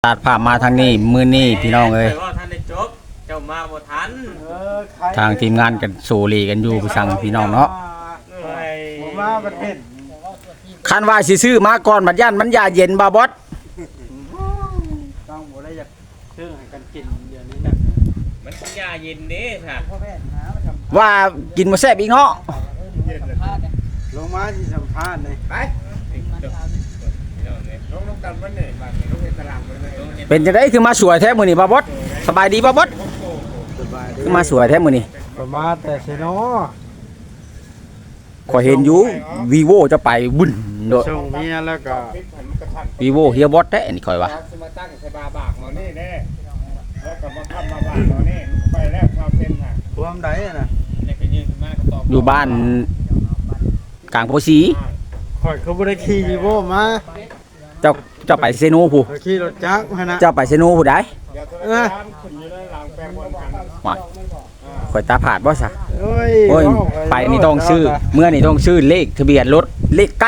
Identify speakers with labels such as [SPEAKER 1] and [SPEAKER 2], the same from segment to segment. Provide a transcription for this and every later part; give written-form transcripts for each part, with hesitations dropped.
[SPEAKER 1] ตัดภาพมาทางนี้มื้อนี้พี่น้องเอ้ย
[SPEAKER 2] ว่าท่านได้จบเจ้ามาบ่ทัน
[SPEAKER 1] ทางทีมงานกันโซลีกันอยู่พี่สั่งพี่น้องเนาะ
[SPEAKER 3] ผมว่าประเทศ
[SPEAKER 1] คันว่าสิซื้อมาก่อนบัดย่านมันยาเย็นบ่บอส
[SPEAKER 3] ต้องบ่ได้อยากซื้อให้กันกินเดี๋ยวนี้นะ
[SPEAKER 2] มันยาเย็นเด้ค่ะ
[SPEAKER 3] พ่อแม่หามาทำ
[SPEAKER 1] ว่ากินบ่แซ่บอีกเนาะ
[SPEAKER 3] ลงมาที่สัมภาษณ์เลยไปลงกันวันนี้บางทีลงในตลาดเลย
[SPEAKER 1] เป็นจังได๋คือมาสวยแท้มื้อนี้บ่บอสสบายดีบ่บอส
[SPEAKER 3] สบายดี
[SPEAKER 1] คือมาสวยแท้มื้อนี้
[SPEAKER 3] ประมาณแต่เซโน
[SPEAKER 1] ข่อยเห็นอยู่ Vivo จะไปบุ่นโดด
[SPEAKER 3] ส่งเมียแล้วก็
[SPEAKER 1] Vivo เฮียบอสแท้นี่ข่อยว่า
[SPEAKER 3] มาตั้งใส่บาบากหมอนี่แน่แล้วก็มาทำมาบากหมอนี่ไปแล้วความเป็นน่ะรวมได้น่ะ
[SPEAKER 2] นี่ก็ยืนขึ้นมาก็ตอบ
[SPEAKER 1] อยู่บ้านกลางโพสี
[SPEAKER 3] ข่อยเขาบ่ได้ขี่วีโวมา
[SPEAKER 1] เจ้าไปเซโนผู้
[SPEAKER 3] ข่อยขี่รถจักรมานะ
[SPEAKER 1] เจ้าไปเซโนผู้ใด
[SPEAKER 3] เออขึ้นอยู่ในหลังแปลงบนกัน
[SPEAKER 1] ว่าข่อยตาผาดบ่ซะ
[SPEAKER 3] โอ้ย
[SPEAKER 1] โอ้ยไปนี่ต้องชื่อเมื่อนี่ต้องชื่อเลขทะเบียนรถเลขใกล้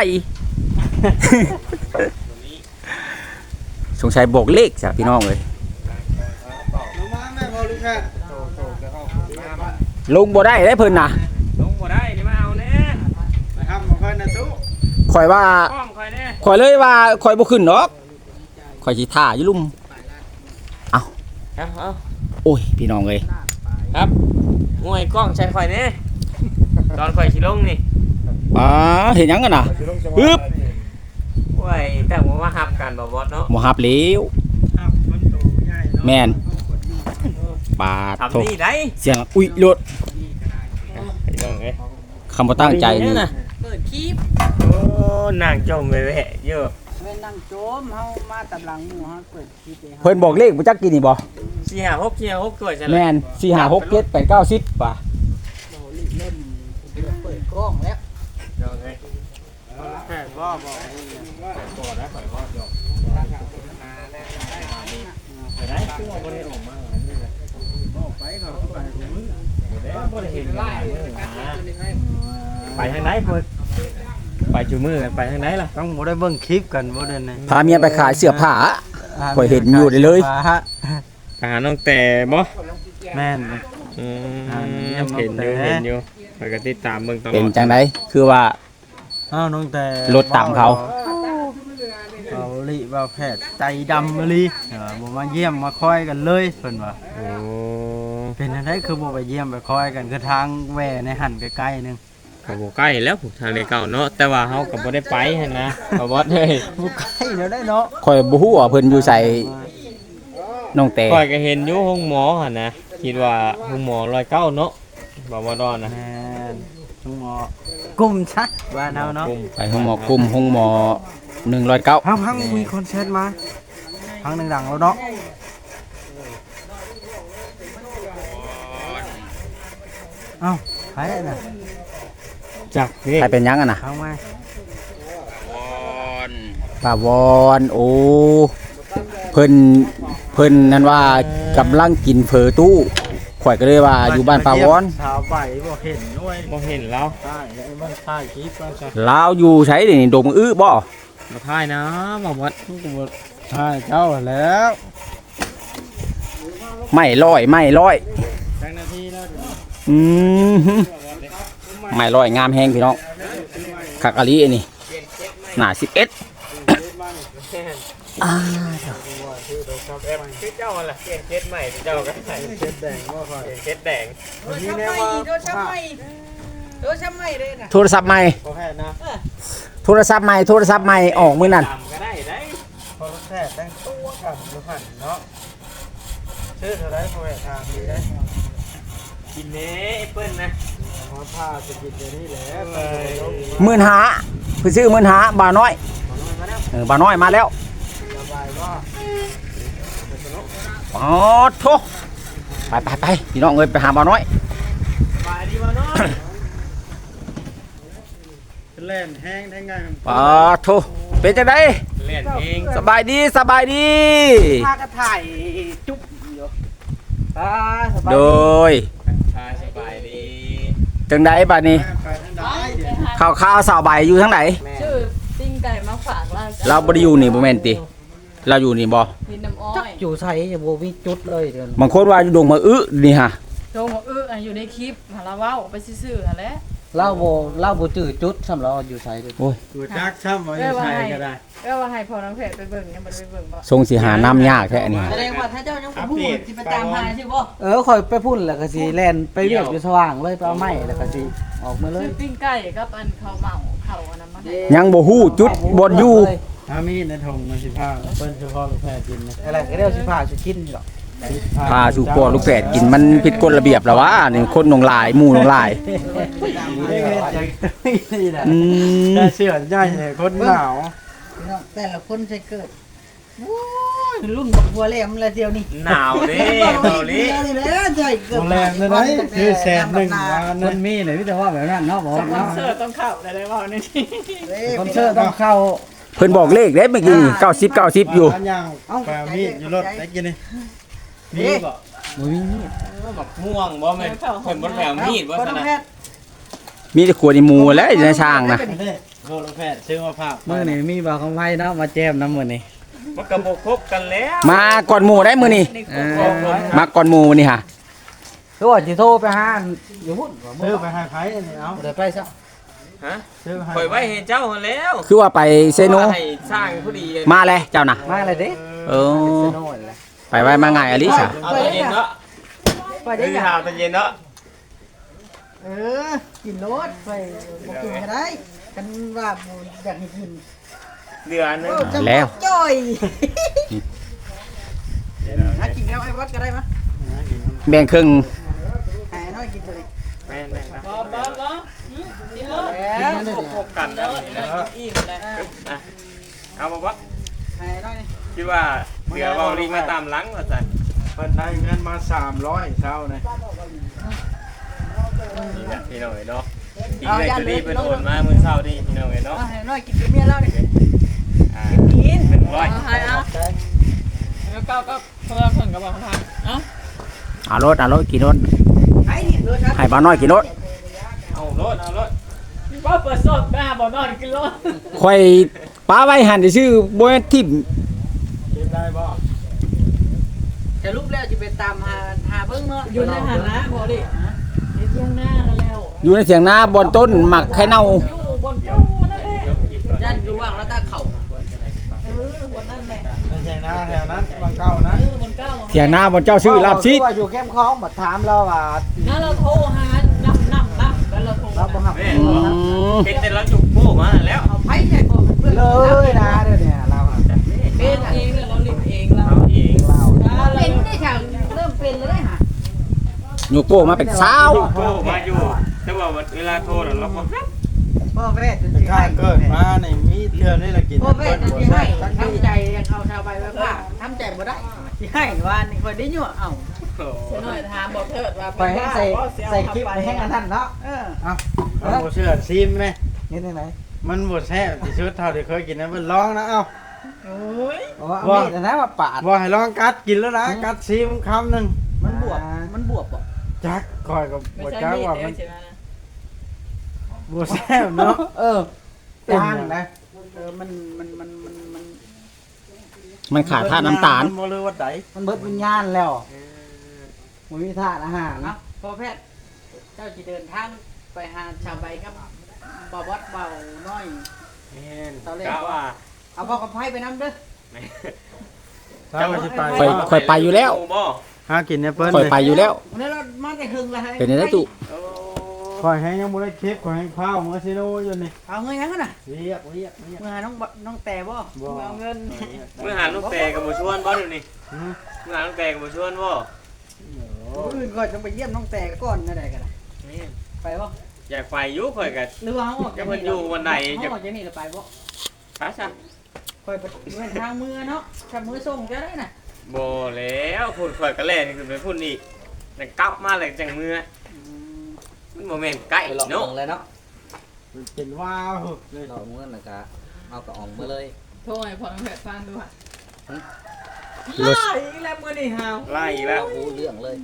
[SPEAKER 1] สงสัยบอกเลขจ้ะพี่น้องเลย
[SPEAKER 3] ลงมาแม่พอลูกแค่โตจะเข้ามาบ้าน
[SPEAKER 1] ลงบ่ได้ได้เพิ่นน่ะ
[SPEAKER 2] ลงบ่ได้นี่มาเอาแน่
[SPEAKER 3] นะครับมาค่อยนะตู้
[SPEAKER 1] ข่อยว่า
[SPEAKER 2] ป้อมคอยแน่
[SPEAKER 1] ข่อยเลยว่าข่อยบ่ขึ้นดอกข่อยสิท่าอยู่ลุ่ม
[SPEAKER 2] เอา
[SPEAKER 1] โอ้ยพี่น้องเอ้ย
[SPEAKER 2] ครับงวยกล้องใช้คอยแน่ตอนคอยสิลงนี่
[SPEAKER 1] อ๋อเห็นหยังกันน่ะปึ๊บ
[SPEAKER 2] โอ้ยแต่ว่ามาหับกันบ่บอสเนาะ
[SPEAKER 1] บ่ฮับแล้ว
[SPEAKER 3] ครับมันโตใหญ่เนาะ
[SPEAKER 1] แม่นปาดโท
[SPEAKER 2] ทำนี่ได้
[SPEAKER 1] เสียงอุ้ยรถ
[SPEAKER 2] ไอ้น้องเอ้ย
[SPEAKER 1] คำบ่ตั้งใจนี่
[SPEAKER 4] เปิดคลิป
[SPEAKER 2] โอ้นางจมไปแวะเยอะ
[SPEAKER 4] เว้นนั่งโจมเฮามาตำลังหมู่เฮาเปิดคลิปให้เฮา
[SPEAKER 1] เพิ่นบอกเลขบ่จักกินนี่บ่
[SPEAKER 2] 456ตัวจัง
[SPEAKER 1] แม่น4 5 6 7 8 9 10ป่ะ
[SPEAKER 4] เล่นเปิดกล้องแล้ว
[SPEAKER 2] น้องเอ้ย
[SPEAKER 3] แค่ว่าบอก
[SPEAKER 2] ไปได้คือว่าบ่ได้ออกมา
[SPEAKER 3] ไปเขาไปผม
[SPEAKER 2] บ่ได้เห็นหลายมื้อนะไปทางไหนเพิ่นไปจุมือกันไปทางไหนล่ะ
[SPEAKER 3] ต้องบ่ได้เบิ่งคลิปกันบ่เด้นี่
[SPEAKER 1] พาเมียไปขายเสื้อผ้า ข่อยเห็นอยู่เลย
[SPEAKER 2] ไปหาน้องแต่บ่
[SPEAKER 3] แม่น
[SPEAKER 2] อืม
[SPEAKER 3] เห็
[SPEAKER 2] เห็น
[SPEAKER 3] น
[SPEAKER 2] อ
[SPEAKER 3] อยู่
[SPEAKER 2] ยู่เห็นอยู่ไปก็ติดตามเบิ่งตลอด
[SPEAKER 1] เป็นจังไดคือว่า
[SPEAKER 3] อ้าวน้องแต่
[SPEAKER 1] รถตามเขา
[SPEAKER 3] เขาลิว่าแพทย์ใจดำมาลิบ่มาเยี่ยมมาคอยกันเลยเพิ่นว่า
[SPEAKER 2] โอ้
[SPEAKER 3] เป็นจังได๋คือบ่ไปเยี่ยมไปคอยกันคือทางแหว่ในหันใกล้ๆนึง
[SPEAKER 2] ก็บ่ใกล้แล้วทางในเก่าเนาะแต่ว่าเฮาก็บ่ได้ไปหั่นนะบ่บอสเอ้ย
[SPEAKER 3] บ่ใกล้แล้วได้เนาะ
[SPEAKER 1] ข่อยบ่ฮู้ว่าเพิ่นอยู่ใส่น้องแต่
[SPEAKER 2] ข่อยก็เห็นอยู่ห้องหมอหั่นนะคิดว่าห้องหมอ109เนาะบ่บ่ดอนนะ
[SPEAKER 3] แม่นทุกหมอกุมชักว่าเนาเนาะ
[SPEAKER 1] ไปห้องหมอกลุ่มห้องหมอ109
[SPEAKER 3] พังมีคอนเสิร์ตมาพังดังๆแล้วเนาะเอ้าใครน่ะ
[SPEAKER 2] จักนี่
[SPEAKER 1] ใครเป็นหยังอ่ะน่ะ
[SPEAKER 3] พังมา
[SPEAKER 1] ป้าวอนโอ้เพิ่นนั่นว่ากำลังกินเฟอตู้ข่อยก็เลยว่าอยู่บ้านป้าวอน
[SPEAKER 3] สาวใบบ่เห็นด้วย
[SPEAKER 2] บ่เห็นแล้ว
[SPEAKER 3] ใช่ไอ้มันถ่ายคลิปมาจ้ะ
[SPEAKER 1] ลาวอยู่ไสนี่ดงอื้อบ่
[SPEAKER 2] บ่ทายนะบ่บอส
[SPEAKER 3] ใช่เจ้าแล้ว
[SPEAKER 1] ไม่ร้อยไม่ร้อย
[SPEAKER 3] จังนาทีแล้ว
[SPEAKER 1] อืมฮึไม่ร้อยงามแฮงพี่น้องคักอะลีอันนี้หน้า11อ่า
[SPEAKER 2] คือเจ้าหั่นล่ะเปลี่ยนเจ็ดใหม่เจ้าก็ใส่
[SPEAKER 3] เช็ดแดงบ่ค่อย
[SPEAKER 2] เปลี่ยนเจ็ดแดง
[SPEAKER 4] โดนช้ำไหมโดนช้ำไหมโดนช้ำไหมเลยน่ะ
[SPEAKER 1] โทรศัพท์ใหม่
[SPEAKER 3] บ่แพทย์นะ
[SPEAKER 1] โทรศัพท์ใหม่โทรศัพท์ใหม่ออกมื้อนั้น
[SPEAKER 2] ตามก็ได้ได้
[SPEAKER 3] พอรถแพทย์แต่งตัวกันบ่หันเนาะชื่อเท่าไรพอแพทย์ถามดีได้
[SPEAKER 2] กินเน้แอปเปิ้ลนะ
[SPEAKER 3] มาพาจะกินเดี๋ยวนี้แหละ
[SPEAKER 1] 15,000เพิ่นซื้อ15,000บ่าวน้อยบ่าวน้อยมาแล้ว
[SPEAKER 3] สบายว่า
[SPEAKER 1] อ๋อโทไปพี่น้องเอ้ยไปหาบ่าวน้อย
[SPEAKER 2] สบายดีบ่เนาะ
[SPEAKER 3] เล่นแห้งได้ไง
[SPEAKER 1] อ๋อโทเป็นจังได๋
[SPEAKER 2] เล่นเอง
[SPEAKER 1] สบายดีสบายดี
[SPEAKER 4] พากันถ่ายจุ๊บอยู่สบาย
[SPEAKER 1] โดย
[SPEAKER 2] สบายดี
[SPEAKER 1] จังไดบัดนี้
[SPEAKER 3] ไปทางใดเดี๋ยว
[SPEAKER 1] ข่าวสาวใบอยู่ทางไหน
[SPEAKER 4] ชื่อปิ้งไก่มาฝากเราจ้ะ
[SPEAKER 1] เราบ่ได้อยู่นี่บ่แม่นติเราอยู่นี่บ่
[SPEAKER 5] ดินน้ำอ้อ
[SPEAKER 4] จัก
[SPEAKER 5] ย
[SPEAKER 4] อยู่ใส่จะบ่มีจุดเลยเดือน
[SPEAKER 1] บางคนว่าอยู่ดงมานี่ฮะ
[SPEAKER 5] โจงบอกอยู่ในคลิปหาละเว้าไปซื่อๆหั่นแหละ
[SPEAKER 4] เล่าบ่จื้อจุดสำหรับอยู่ใส่เด้อ
[SPEAKER 1] โอ้ย
[SPEAKER 3] กูจักช้ำว่าใช่ก็ได้
[SPEAKER 5] ว่าให้พ่อน้องแพทย์ไปเบิ่งยังบ่ได้ไปเบิ่งบ่
[SPEAKER 1] ทรงสิหาน้ำยากแท้อันนี้
[SPEAKER 6] แสดงว่าถ้าเจ้ายังบ่พูดสิไปตามหาใช่บ่
[SPEAKER 4] คอยไปพุ่นแล้วก็สิแล่นไปเรียกอยู่สว่างเลยไปเอาไม้แล้วก็สิออกมาเลย
[SPEAKER 5] ซื้อปิ้งไก่กับอันข้าวเหมาข้าวอันนั้นมาให้
[SPEAKER 1] ยังบ่ฮู้จุดบ่อยู่
[SPEAKER 3] ถ้ามีในถุงมันสิพาเปิ้นเฉพาะลูกแพทย์กินนะ
[SPEAKER 4] อะไรก็เรียกสิพาสิกินนี่หรอก
[SPEAKER 1] พาสู่ปอลูกแฝดกินมันผิดกฎระเบียบแล้ววะนี่คนหนองลายหมู่หนองลาย อืม
[SPEAKER 3] ได้เสื้อใหญ่เลยคนหนาว
[SPEAKER 6] พี่น้องแต่ละคนใช้เกิดโอ้ยรุ่นบักบัวแหลมละเดียวนี่
[SPEAKER 2] หนาวเด้เบาลิ
[SPEAKER 6] นี่แหละใช่เกิด
[SPEAKER 3] โรงแรมนั่นได้คือแสนหนึ่งมา
[SPEAKER 4] มั
[SPEAKER 3] นั่น
[SPEAKER 4] นมีเลยพี่แต่ว่าแบบนั้นเนาะบ่
[SPEAKER 5] สปอน
[SPEAKER 4] เนาะ
[SPEAKER 5] เซอร์ต้องเข้าได้เว้านี่
[SPEAKER 4] คอนเสิร์ตต้องเข้า
[SPEAKER 1] เพิ่นบอกเลขได้เมื่อกี้นี่90อยู่
[SPEAKER 3] ยังแปลมีดอยู่รถได้กินนี่นี่บ่
[SPEAKER 4] บ่มีมีด
[SPEAKER 2] บักม่วงบ่แม่นเพิ่นบ่แถมมีดบ่
[SPEAKER 6] คน
[SPEAKER 2] ซั่น
[SPEAKER 6] แพ
[SPEAKER 2] น่ะ
[SPEAKER 6] ทย์
[SPEAKER 1] มีแต่ขวดในหมูแล้วอยู่ในช่างนะ
[SPEAKER 3] โคลูกแพทย์ซื้อมาฝาก
[SPEAKER 4] มื้อนี้มีบ่าวของไผเนาะมาแจมน้ำมื้อนี้
[SPEAKER 2] มันก็บ่ครบกันแล้ว
[SPEAKER 1] มาก่อนหมู่ได้มื้อนี้มาก่อนหมู่มื้อนี้ฮะ
[SPEAKER 4] คือว่าสิโทรไปหาอยู่พุ่นว่า
[SPEAKER 3] ซื้อไปให้ไผนี่เอา
[SPEAKER 4] บ่ได้ไปซะ
[SPEAKER 2] ฮะ
[SPEAKER 3] ซื้อให้
[SPEAKER 2] ปล่อยไว้ให้เจ้าหั่นแล้ว
[SPEAKER 1] คือว่าไปเซโน
[SPEAKER 2] ว่าให้สร้างผู้ดี
[SPEAKER 1] มาเลยเจ้าน่ะ
[SPEAKER 4] มาเลยเด้
[SPEAKER 1] เออ
[SPEAKER 4] สโน่นแหละ
[SPEAKER 1] ไปไว้มาง่ายอลิสะ
[SPEAKER 2] เอาตอนเย็นเนาะ
[SPEAKER 6] ไปได้
[SPEAKER 2] ได้
[SPEAKER 6] ยัง
[SPEAKER 2] หาตอนเย็นเนาะ
[SPEAKER 6] เออกินรถไปบ่กินก็ได้กันว่าบ่อยากให้กิน
[SPEAKER 2] เดือนนึง
[SPEAKER 1] แล้ว
[SPEAKER 6] จ้อยหากินแล้วไอ้วัดก็ได้มะ
[SPEAKER 1] แบ่งครึ่ง
[SPEAKER 6] หาน้อยกินเลย
[SPEAKER 2] แม่นๆครับ
[SPEAKER 5] บ่กินเลย
[SPEAKER 6] แล้ว
[SPEAKER 2] พบกันแล้วนี่นะ
[SPEAKER 5] อิ่มแล้ว
[SPEAKER 2] อ่ะเอาบ่บ่
[SPEAKER 6] หาน้อยนี่
[SPEAKER 2] คิดว่าเดี๋ยวเว้าลิงมาตามหลังว่าซั่น
[SPEAKER 3] เพิ่นได้เงินมา300เช้านี่
[SPEAKER 2] นี่แหละพี่น้องเอ้ยเนาะอีกเลยจะรีบไปโอนมามื้อเช้านี่พี่น้องเอ้ยเนาะ
[SPEAKER 6] เอาให้น้อยกินกับเมียแล้วนี่
[SPEAKER 2] อ่าเป็นร้อย
[SPEAKER 5] เอาให้เอาแล้วก็เพิ่นก็บอกทางเอ้า
[SPEAKER 1] เอารถกี่รถ
[SPEAKER 6] ไอ้นี่เด้อครับ
[SPEAKER 1] ให้บ้าวน้อยกี่รถ
[SPEAKER 2] เอารถเอารถ
[SPEAKER 5] ว่าเปิดสดหน้าบ่นอนกินรถ
[SPEAKER 1] ค่อยป้าไว้หันซื่อบ่แม่นทิ่ม
[SPEAKER 3] กินได้บ่
[SPEAKER 6] จะรูปแล้วจะไปตามหาเบิ่งเนาะ
[SPEAKER 5] อยู่ในหันนะบ่ดิในเที่ยงหน้าแล้ว
[SPEAKER 1] อยู่ในเสียงนาบอนต้นหมักไข่เน่า
[SPEAKER 5] อยู่บนตู้นั่นแหละ
[SPEAKER 6] ยันอยู่ว่างแล้วตาเข่า
[SPEAKER 5] บนนั่นแหละ
[SPEAKER 3] ไม่ใช่นะแถวนั้นบางเก้านะ
[SPEAKER 5] บนเก้า
[SPEAKER 1] เสียงนาบอนเจ้าชื่อลาบซีด
[SPEAKER 4] ว่าอยู่แคมป์คลองมาถามเราว่า
[SPEAKER 5] นั่นเราโทรหานับแล้วเราโทร
[SPEAKER 4] เราบ่ฮับ
[SPEAKER 2] แม่
[SPEAKER 1] อืม
[SPEAKER 2] เป็นแต่ละจุกโป้มาแล้ว
[SPEAKER 6] เอาไผ่ใส่พอเพื่อน
[SPEAKER 4] เลยนะเดี๋ยวนี้เราอะ
[SPEAKER 5] เป็นเองเราลิบเองเรา
[SPEAKER 2] เอาเอง
[SPEAKER 6] เป็นได้ค่ะเริ่มเป็นแล้วได้ค่ะ
[SPEAKER 1] โยโก้มาเป็นสาว
[SPEAKER 2] โป้มาอยู่แต่ว่าเวลาโทรน่ะเราก็รับ
[SPEAKER 6] พ่อแม่จะ
[SPEAKER 3] แต่
[SPEAKER 6] สิ
[SPEAKER 3] ข้า
[SPEAKER 6] ให้
[SPEAKER 3] เกิดมาในมีเทื่อนี่ละกิน
[SPEAKER 6] พ่อแม่จะสิให้ทำใจยังเอาชาวใบไว้ผ้าทำใจบ่ได้สิให้ว่านี่คนได้ยั่วเอา
[SPEAKER 2] โอ้
[SPEAKER 5] เสียหน่อยถามบอกเถิดว่า
[SPEAKER 4] ไปให้ใส่คลิปไปให้อันนั้นเนาะ
[SPEAKER 6] เออ
[SPEAKER 3] เอาบ่เชื่อซิมไหม
[SPEAKER 4] นี่ไหน
[SPEAKER 3] มันบ่แซ่บที่สุดเท่าที่เคยกินนะมันลองนะเอ้า
[SPEAKER 5] โอ้ย
[SPEAKER 4] ๆเอามีดนะมาปาด
[SPEAKER 3] บ่ให้ลองกัดกินแล้วนะกัดซิมคำหนึง
[SPEAKER 6] มันบวบมันบวบบ่
[SPEAKER 3] จักคอยกับ
[SPEAKER 5] ไม่
[SPEAKER 3] บ่
[SPEAKER 5] ใช่
[SPEAKER 3] จัก
[SPEAKER 5] มีด
[SPEAKER 3] ว่า
[SPEAKER 5] เดีย
[SPEAKER 3] มั
[SPEAKER 5] วน ใช่ไหมนะ
[SPEAKER 3] บ่แซ่บเนาะ
[SPEAKER 4] จางนะ
[SPEAKER 6] มัน
[SPEAKER 1] มันขาดธาตุน้ำตาล
[SPEAKER 3] บ่รู้ว่าใด
[SPEAKER 4] มันเบิดวิญญาณแล้วมันมีธาตุอาหาร
[SPEAKER 6] เอาพ่อแพทย์เจ้าสิเดินทางไปหาชาวใบครับบ่วัดเบาน้อย
[SPEAKER 2] แม่น
[SPEAKER 6] ตอนแรก
[SPEAKER 2] กะว่า
[SPEAKER 6] เอาพ่อกับไผ่ไปนํเด้อ
[SPEAKER 3] ถ้าว่าสิไป
[SPEAKER 1] ค่อยไปอยู่แล้ว
[SPEAKER 2] บ่
[SPEAKER 3] หากินแอปเปิ้ล
[SPEAKER 1] ค่อยไปอยู่แล้ว
[SPEAKER 6] วันนี้เรามาแต่หึงแล้วให้
[SPEAKER 1] เป็นได้ตุ
[SPEAKER 2] โอ้
[SPEAKER 3] คอยให้ยังบ่ได้เค้กคอยให้ข้าวมื้อซิโนอยู่นี่
[SPEAKER 6] เอาเงินยังกันน่ะ
[SPEAKER 3] เรียก
[SPEAKER 6] มือหาน้องแต่บ่
[SPEAKER 3] บ่
[SPEAKER 6] เอาเงิน
[SPEAKER 2] มื้อหาลูกแต่ก็บ่ชวนบ่เดี๋ยวนี้
[SPEAKER 3] อืม
[SPEAKER 2] มื้อหาลูกแต่ก็บ่ชวนบ่
[SPEAKER 6] อื่นก่อนต้องไปเยี่ยมน้องแต่ก่อนนั่นแหละกัน
[SPEAKER 2] แม่น
[SPEAKER 6] ไปบ่
[SPEAKER 2] อยากไปอยู่ข่อยก็
[SPEAKER 6] หรือว่าเขาออก
[SPEAKER 2] จะมันอยู่วันไหน
[SPEAKER 6] เขาออกจากนี่แล้วไปบ่
[SPEAKER 2] พาซะ
[SPEAKER 6] คอยไปเดินทางมือเนาะถ้ามือส่งจะได้น่ะ
[SPEAKER 2] บ่แล้วพุ่นข่อยก็แล่นขึ้นไปพุ่นอีกแล้วกลับมาแล้วจังมื้อมันบ่แม่นใกล้
[SPEAKER 4] ไปหลอก
[SPEAKER 2] เนาะ
[SPEAKER 4] เลยเนาะ
[SPEAKER 3] เป็นว้าวเลย
[SPEAKER 4] หลอกเงินแล้วก็เอากระอ่องมาเลย
[SPEAKER 5] โทรให้พ่อน้องแพทย์ฟังดูค่ะ
[SPEAKER 1] รถ
[SPEAKER 5] อีกแล้วมื้อนี้ฮาว
[SPEAKER 2] ไล่อีกแล้ว
[SPEAKER 4] รู้เรื่องเลย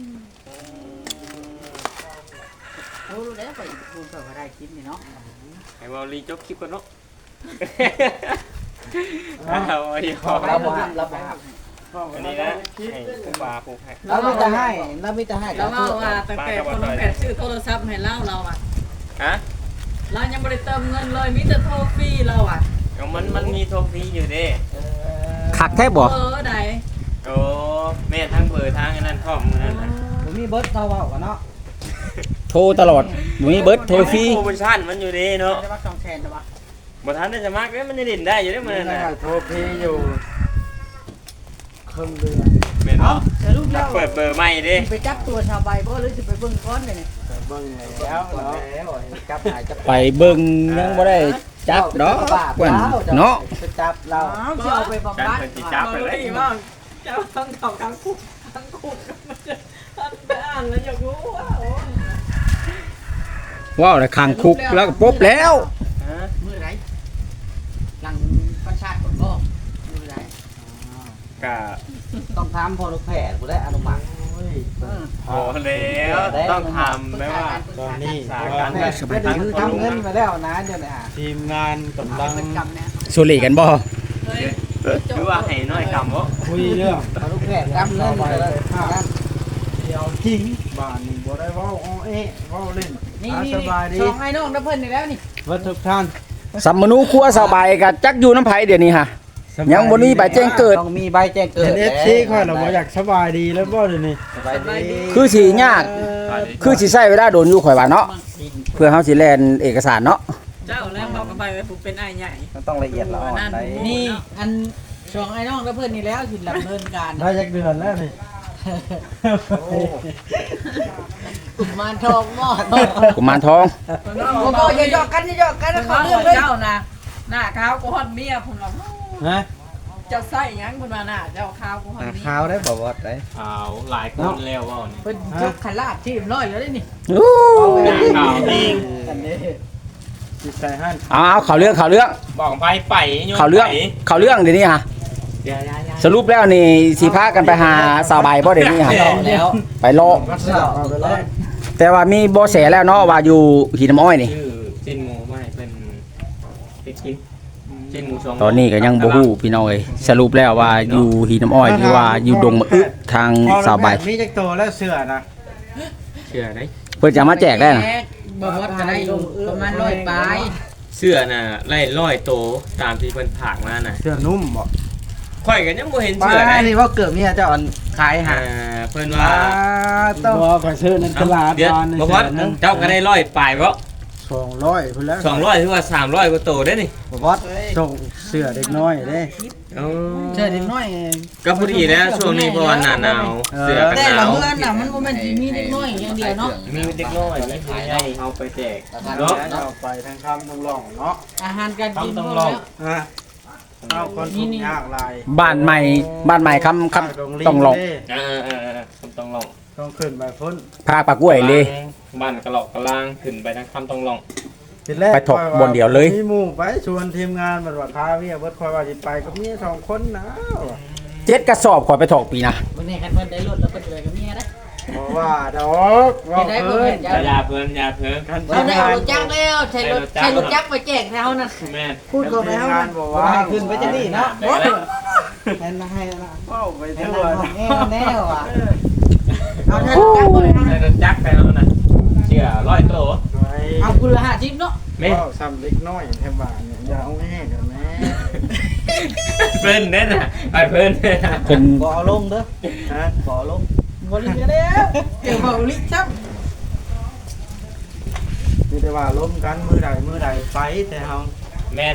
[SPEAKER 6] รู้แล้วไปคุณก็ได้คลิปนี่เนาะ
[SPEAKER 2] ให้เว้ารีจบคลิปก่อนเนาะเอาไอ้ของ
[SPEAKER 4] เราบ่เราบ่
[SPEAKER 2] อันนี้นะให้ผู้ปลาผู้ให้
[SPEAKER 6] เราไม่จะให้เราไม่จะให้
[SPEAKER 5] แล้วว่าตั้งแต่คนแปดชื่อโทรศัพท์ให้เราอ่ะ
[SPEAKER 2] ฮะ
[SPEAKER 5] เรายังไม่ได้เติมเงินเลยมีแต่โทรฟรีเราอ่ะ
[SPEAKER 2] มันมีโทรฟรีอยู่เด้
[SPEAKER 1] คักแท้บ่
[SPEAKER 5] ใด
[SPEAKER 2] โอ้แม่ทั้งเบอร์ทั้งอันนั้นพร้อมนั่นน่ะ
[SPEAKER 6] ผมมีเบิร์ดเราเอากันเนาะ
[SPEAKER 1] โทรตลอดบ่มีเบิดโทรฟรี
[SPEAKER 2] โปรโมชั่นมันอยู่เด้เนาะ
[SPEAKER 6] จะว่า2แสนจะว่า
[SPEAKER 2] บ่ทันได้สมัครเด้มันจะเล่นได้อยู่เด้มันน่ะ
[SPEAKER 3] โทรพีอยู่ครึ่งเดือน
[SPEAKER 2] แม่นเนาะ
[SPEAKER 6] จะรูปแล้ว
[SPEAKER 2] เปิดเบอร์ใหม่เด้
[SPEAKER 6] ไปจับตัวชาวใบบ่หรือสิไปเบิ่งก้อนเลยนี่
[SPEAKER 3] เบิ่งแล้วเนาะ
[SPEAKER 6] จับหายจับ
[SPEAKER 1] ไปเบิ่งยังบ่ได้จับดอกเพิ่นเนาะ
[SPEAKER 6] จะจับเราจะเอาไปบำ
[SPEAKER 2] การ
[SPEAKER 6] บัด
[SPEAKER 2] เพิ่นสิจับไปเลย
[SPEAKER 5] บ้างเจ้าทั้งเข่าทั้งคุกทั้งคุกมันจะท่านไปอ่านแล้วอยากรู้ว่าโอ้
[SPEAKER 1] ว้าวแล้วขังคุกแล้วก็ปุ๊บแล้ว
[SPEAKER 2] ฮะ
[SPEAKER 6] มือไหนหลังประชาชนบ่มือไหน
[SPEAKER 2] ก็
[SPEAKER 6] ต้องถามพอลูกแพทย์บ่ได้อนุมัติ
[SPEAKER 2] พอแล้วต้องทำไหมว่า
[SPEAKER 3] ตอนนี้
[SPEAKER 2] สาการ
[SPEAKER 6] แพทย์ไม่ได้คือทำเงินมาแล้วนะเดี๋ยวนี้ฮะ
[SPEAKER 3] ทีมงานกำลัง
[SPEAKER 6] เป็นกรรมนะ
[SPEAKER 1] สุริกันบ่
[SPEAKER 5] เฮ้ย
[SPEAKER 2] คือว่าให้น้อยกำบ่
[SPEAKER 3] คุยเรื่อง
[SPEAKER 6] พอลูกแพทย์กรรมเงินมาแล้ว
[SPEAKER 3] เดี๋ยวจริงบ้านนี้บ่ได้เว้าอ้อเอ๊ะเว้าเล่น
[SPEAKER 6] นี่
[SPEAKER 3] อ่ะ
[SPEAKER 6] นี่
[SPEAKER 3] สบายดี
[SPEAKER 6] ช่องไอ้น้องน้ำเพิ่นนี่แล้วนี่
[SPEAKER 3] วัดทุกท่าน
[SPEAKER 1] สัมมนูครัวสบายกับจักอยู่น้ำไผเดี๋ยวนี้ฮะยังบ่มีใบแจ้งเกิด
[SPEAKER 6] ต้องมีใบแจ้งเกิ
[SPEAKER 3] เห็
[SPEAKER 6] ด
[SPEAKER 3] น FC ค่อยเราบ่อยากสบายดีแล้วบ่เดี๋ยวนี้
[SPEAKER 6] สบายดี
[SPEAKER 1] คือสิยากคือสิใช้เวลาโดนอยู่ข่อยว่าเนาะเพื่อเฮาสิแลนเอกสารเนาะ
[SPEAKER 5] เจ้าแล้วบอกกันไปว่าผมเป็นไอ้ใหญ่
[SPEAKER 6] มันต้องละเอียดละอ่อนได้นี่อันช่องไอ้น้องน้ำเพิ่นนี่แล้วสิดำเนินการ
[SPEAKER 3] ได้จักเดือนแล้วนี่
[SPEAKER 6] กุมารทองหม้อ
[SPEAKER 1] กุมารทอง
[SPEAKER 6] โอ้โหอย่าหยอกกันอย่าหยอกกัน
[SPEAKER 5] แต่
[SPEAKER 6] เขา
[SPEAKER 5] เขา
[SPEAKER 6] เรื่
[SPEAKER 5] เรื่
[SPEAKER 6] อ
[SPEAKER 5] อง ง
[SPEAKER 6] เลย
[SPEAKER 5] เจ้านะหน้าขาวกูฮอดเมียผมหรอก
[SPEAKER 3] ฮะ
[SPEAKER 5] เจ้าใส่ยังคุณมาหน้าเจ้าขาวกูฮอดเมีย
[SPEAKER 6] ขาวได้บ่วอดได้
[SPEAKER 2] เอาหลายคนแล้วว่านี่
[SPEAKER 6] เพิ่นยกขลาดที่ร้อยแล้วนี่
[SPEAKER 1] อู้
[SPEAKER 2] ข่าวจริง
[SPEAKER 6] กันเด้
[SPEAKER 3] จิตใจหั่น
[SPEAKER 1] เอาข่าวเรื่อง
[SPEAKER 2] บอกไปไปโยน
[SPEAKER 1] ข่าวเรื่องเดี๋ยวนี้ฮะสรุปแล้วนี่สิพากันไปหาสาวใบบ่เดี๋ยวนี้ฮะ
[SPEAKER 6] แล้ว
[SPEAKER 1] ไปรอ
[SPEAKER 3] วัดสาวเอาไปเลย
[SPEAKER 1] แต่ว่ามีบ่แสแล้วเนาะว่าอยู่หินน้ำอ้อยนี่
[SPEAKER 2] ชื่อจินหมูไม่เป็นติดกินจินหมูสอง
[SPEAKER 1] ตอนนี้ก็ยังบ่ฮู้พี่น้องเอ้ยสรุปแล้วว่าอยู่หินน้ำอ้อยหรือว่าอยู่ดงมะอึทางสาวใบ
[SPEAKER 3] มีจักโตแล้วเสื้อนะ
[SPEAKER 2] เชื่อได้
[SPEAKER 1] เพิ่นจะมาแจกได้น่ะ
[SPEAKER 6] บ่วอดก็ได้อยู่ประมาณ100ปลาย
[SPEAKER 2] เสื้อน่ะไล่ร้อยโตตามที่เพิ่นผากมาน่ะ
[SPEAKER 3] เสื้อนุ่มบ่
[SPEAKER 2] ข่อยก็ยังบ่เห็น
[SPEAKER 6] ปลา
[SPEAKER 2] เสื้อได้
[SPEAKER 6] นี่ว่าเกิดเมียเจ้าอันขายหา
[SPEAKER 2] เพิ่นว่า
[SPEAKER 3] ต้องบ่ก็ซื้อในตลาด
[SPEAKER 2] เดี๋ยว
[SPEAKER 3] บ้าน
[SPEAKER 2] บ่ว่าเจ้าก็ได้ร้อยปลายบ่
[SPEAKER 3] 200พุ่นแล้ว
[SPEAKER 2] 200หรือว่า300กว่าโตได้นี่
[SPEAKER 3] บ่วอดส่งเสื้อเด็กน้อยเด้
[SPEAKER 2] อ๋อ
[SPEAKER 6] เชื่อเด็กน้อย
[SPEAKER 2] ก็พอดีแล้วช่วงนี้เพราะว่าหน้าหนาวเสื้อกัน
[SPEAKER 6] แต่
[SPEAKER 2] ห
[SPEAKER 6] ละ
[SPEAKER 2] นาว
[SPEAKER 6] เมืองน่ะมันบ่แม่นสิมีเด็กน้อยอย่างเดียวเนาะ
[SPEAKER 2] มีเด็กน้อยมีผู้ใหญ่เอาไปแจก
[SPEAKER 3] เนาะ
[SPEAKER 2] เนาะ
[SPEAKER 3] เอาไปทางคำต้องร้องเนาะ
[SPEAKER 6] อาหารการกิน
[SPEAKER 2] ต้อง
[SPEAKER 6] พวก
[SPEAKER 2] ลอง
[SPEAKER 6] แล้ว
[SPEAKER 3] ฮะเอาคนทุกข์ยากหลาย
[SPEAKER 1] บ้านใหม่คำต้องลอง
[SPEAKER 2] ต้องลอง
[SPEAKER 3] ต้องขึ้นไปพ้น
[SPEAKER 1] พาปลากล้วยเลย
[SPEAKER 2] บ้านกระหลอกกระลางขึ้นไปทางคำต้องลอง
[SPEAKER 3] ทีแรก
[SPEAKER 1] ไปถกบนเดียวเลย
[SPEAKER 3] มีหมู่ไปชวนทีมงานบัดว่าพาเวียเบิดคอยว่าสิไปกับเมีย2คนนะ
[SPEAKER 1] 7กระสอบข่อยไปถอกปีนะ
[SPEAKER 6] วันนี้คันเพิ่นได้รถแล้วเพิ่นจะไปกับเมียนะ
[SPEAKER 3] บ่ว่าดอกว่า
[SPEAKER 6] ได้
[SPEAKER 3] เพิ่น
[SPEAKER 2] อย่าเพิ่นอย่าเพิ่น
[SPEAKER 3] กัน
[SPEAKER 6] เราได้เอารถจักรแล้วใช้รถจักรไปแจกแถวนั้น
[SPEAKER 2] แม่
[SPEAKER 6] พูดกับแล้ว
[SPEAKER 3] งานบ่ว่า
[SPEAKER 6] ให้ขึ้นไปจะนี่เนาะ
[SPEAKER 2] ได้แล้ว
[SPEAKER 6] ให้นะให้นะ
[SPEAKER 3] เว้าไป
[SPEAKER 6] ให้
[SPEAKER 3] ทั่ว
[SPEAKER 6] นะ
[SPEAKER 3] นะ
[SPEAKER 6] แน่ว่ะเอาท่านจักรเลย
[SPEAKER 2] ได้รถจักรไปแล้วนะเชื่อร้อยโต
[SPEAKER 3] ไว้
[SPEAKER 6] เอาคุณละ50เนาะ
[SPEAKER 2] แม่
[SPEAKER 3] เว้าซ้ำเล็กน้อยแถวบ้านเนี่ยอย่าเอาแห้งกันแม่
[SPEAKER 2] เพิ่นเด้น่ะไปเพิ่นเด้น่ะ
[SPEAKER 1] เพิ่น
[SPEAKER 6] บ่เอาลงเด้อ
[SPEAKER 3] ฮะ
[SPEAKER 6] บ่เอาลงบ่ลิแล้วเดี๋ยวบ่ลิจับ
[SPEAKER 3] มีแต่ว่าล้มกันมือใดไปแต่เฮา
[SPEAKER 2] แม่น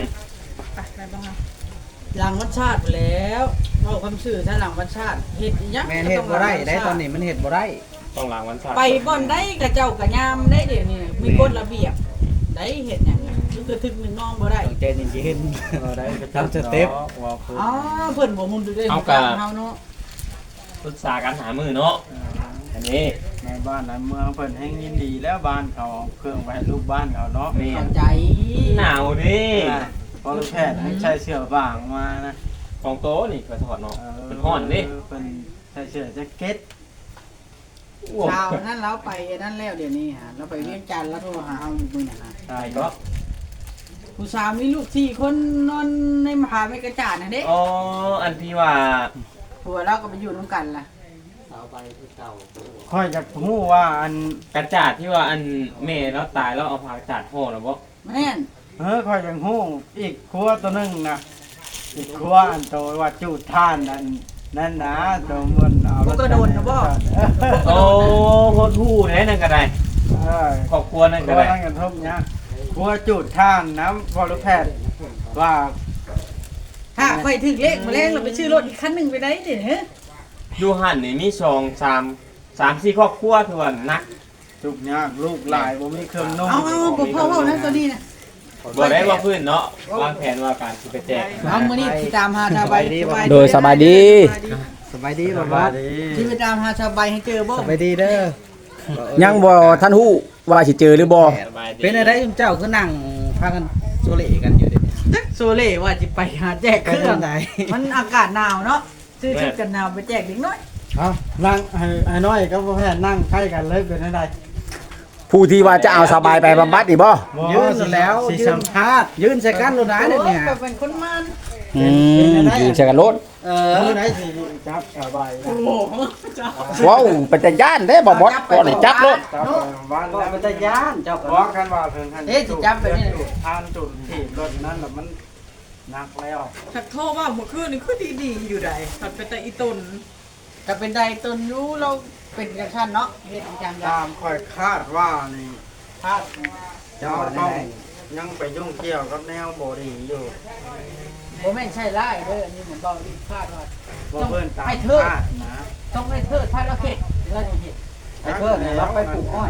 [SPEAKER 6] หลังวัดชาติไปแล้วเอาคำสื่อถ้าหลังวัดชาติเฮ็ดอีหยัง
[SPEAKER 4] แม่นเฮ็ดบ่ได้ได้ตอนนี้มันเฮ็ดบ่ได้
[SPEAKER 2] ต้องล้างวันเสาร์
[SPEAKER 6] ไปบ่อนได้กระเจ้ากระยามได้เดี๋ยวนี้มีกฎระเบียบได้เฮ็ดหยังคือถึงหนึ่งน้องบ่ได้
[SPEAKER 4] ใจเย็น
[SPEAKER 3] ได้ก็
[SPEAKER 4] ทำสเต็ป
[SPEAKER 3] ว่าเพิ่น
[SPEAKER 6] อ๋อเพิ่นบ่มุนดูได้เฮาเนาะ
[SPEAKER 2] ปรึกษากันหามือเนาะอันนี้
[SPEAKER 3] ในบ้านในเมืองเพิ่นแห่งยินดีแล้วบ้านเขาเอาเครื่องไว้ให้ลูกบ้านเขาเนาะ
[SPEAKER 2] แม่
[SPEAKER 6] เข้าน ใจ
[SPEAKER 2] หนาวดิ
[SPEAKER 3] พอลูกแพทย์ให้ใช้เสื้อบางมานะ
[SPEAKER 2] ของโตนี่ก็ถอดเนาะเป็นห่อนดิ
[SPEAKER 3] เพิ่นใช้เสื้อแจ็คเก็ต
[SPEAKER 6] ชาวนั้นเราไปนั่นแล้วเดี๋ยวนี้ฮะเราไปเวียงจันทน์แล้วโทรหาเฮาอยู่มื้อนั้นฮะ
[SPEAKER 3] ได้
[SPEAKER 2] ไอ้
[SPEAKER 3] ก็
[SPEAKER 2] ก็
[SPEAKER 6] ผู้สาวมีลูก4คนนอนในมหาวิทยาลัยจาดน่ะเด้
[SPEAKER 2] อ๋ออันที่ว่า
[SPEAKER 6] ผัวเราก็ไปอยู่นำกันล่ะ
[SPEAKER 3] ค่อยจะฮู้ว่าอัน
[SPEAKER 2] กระจาดที่ว่าอันแม่แล้วตายแล้วเอาผ้ากระจาดห่อแล้วบ่
[SPEAKER 6] แม่น
[SPEAKER 3] ค่อยยังฮู้อีกครัวตัวหนึงนะอีกครัวอันโตว่าจูดท่านอันนั่นนะตัวมันเอา
[SPEAKER 6] บ่ก็โดนนะบ่
[SPEAKER 2] โอ้โหดหู้แน่นั่นก็ได้
[SPEAKER 3] เออ
[SPEAKER 2] ครอบครัวนั่น
[SPEAKER 3] ค
[SPEAKER 2] ก็
[SPEAKER 3] รัว
[SPEAKER 2] ได้
[SPEAKER 3] นั่นกันทุกเนี่ยครัวจูดท่านน้ำพอรู้แพทย์ว่า
[SPEAKER 6] ถ้าไปถึงเลขมาแรงเราไปชื่อรถอีกคันหนึงไปได้เด้อ
[SPEAKER 2] อยู่หันนี่มี3-4ครอบครัวคือว่านัก
[SPEAKER 3] ทุกยากลูกหลายบ่มีเครื่องนุ่ง
[SPEAKER 6] เอาบ่พ่อเว้านะตัวนี้นะ
[SPEAKER 2] บ่ได้ว่าพื้นเนาะวางแผนว่าการสิไปแจก
[SPEAKER 6] เอามื้อนี้สิตามหาชาวใบ
[SPEAKER 1] โดยสบายดี
[SPEAKER 4] สบายดีบ่
[SPEAKER 3] ส
[SPEAKER 4] บ่
[SPEAKER 3] บายดี
[SPEAKER 6] สิไปตามหาชาวใบให้เจอบ่
[SPEAKER 4] สบายดีเด้อ
[SPEAKER 1] ยังบ่ท่านฮู้ว่าสิเจอหรือบ่
[SPEAKER 2] สบายดี
[SPEAKER 4] เป็นอะไรจุเจ้าคือนั่งพากันโซเล่กันอยู่เด้
[SPEAKER 6] จักโซเล่ว่าสิไปหาแจกเครื่อง
[SPEAKER 4] ไหน
[SPEAKER 6] มันอากาศหนาวเนาะซื้อชุดกันหนาวไปแจกเด็กน้อย
[SPEAKER 3] เอานั่งให้น้อยก็บ่แพ้นั่งใกล้กันเลยเป็นได้
[SPEAKER 1] ผู้ที่ว่าจะเอาสบายไปบำบัดนี่บ่
[SPEAKER 4] ยืนแล้ว
[SPEAKER 3] สิ
[SPEAKER 4] ยื
[SPEAKER 3] สั
[SPEAKER 4] น
[SPEAKER 3] มภาษณ์
[SPEAKER 4] ยืนใส่กันโลดนะเนี่ย
[SPEAKER 6] โอ้ก็เป็นคนมัน
[SPEAKER 1] ยืนใส่กันรถ
[SPEAKER 3] มื้อไหนสิจับสบายนะ
[SPEAKER 6] โอ้โหจ้า
[SPEAKER 1] ว้าวเป็นตาย่านเด้บ่บดบ่ได้จับรถ
[SPEAKER 3] จับบ้าน
[SPEAKER 4] ก็
[SPEAKER 3] แล้ว
[SPEAKER 4] เป็นตาย่านเจ้า
[SPEAKER 3] เพราะกันว่าเพิ่นท่าน
[SPEAKER 6] เอ๊ะสิจับแบบนี้
[SPEAKER 3] จุดทานจุดถีบรถนั้นน่ะมันหนักแล้ว
[SPEAKER 5] ถักโทรว่าเมื่อคืนนี่คือดีๆอยู่ใดถัดไปแต่อีตุน
[SPEAKER 6] ก็เป็นไดตนรู้เราเป็นจังซั่นเนาะเฮ็ดจัง
[SPEAKER 3] ตามค่อยคาดว่านี่
[SPEAKER 6] คาด
[SPEAKER 3] เจ้าต้องยังไปยุ่งเกี่ยวกับแนวบ่ดีอยู่
[SPEAKER 6] บ่แม่นใช่ไล่เด้ออันนี้เหมือนเบาดีคาดว่า
[SPEAKER 3] บ่เพิ่นตามคาดนะ
[SPEAKER 6] ต้องให้เทิดพาเราเฮ็ดเราจะเฮ็ด
[SPEAKER 4] ไอ้เพิ่นเนี่ยเราไปปลูกอ้อย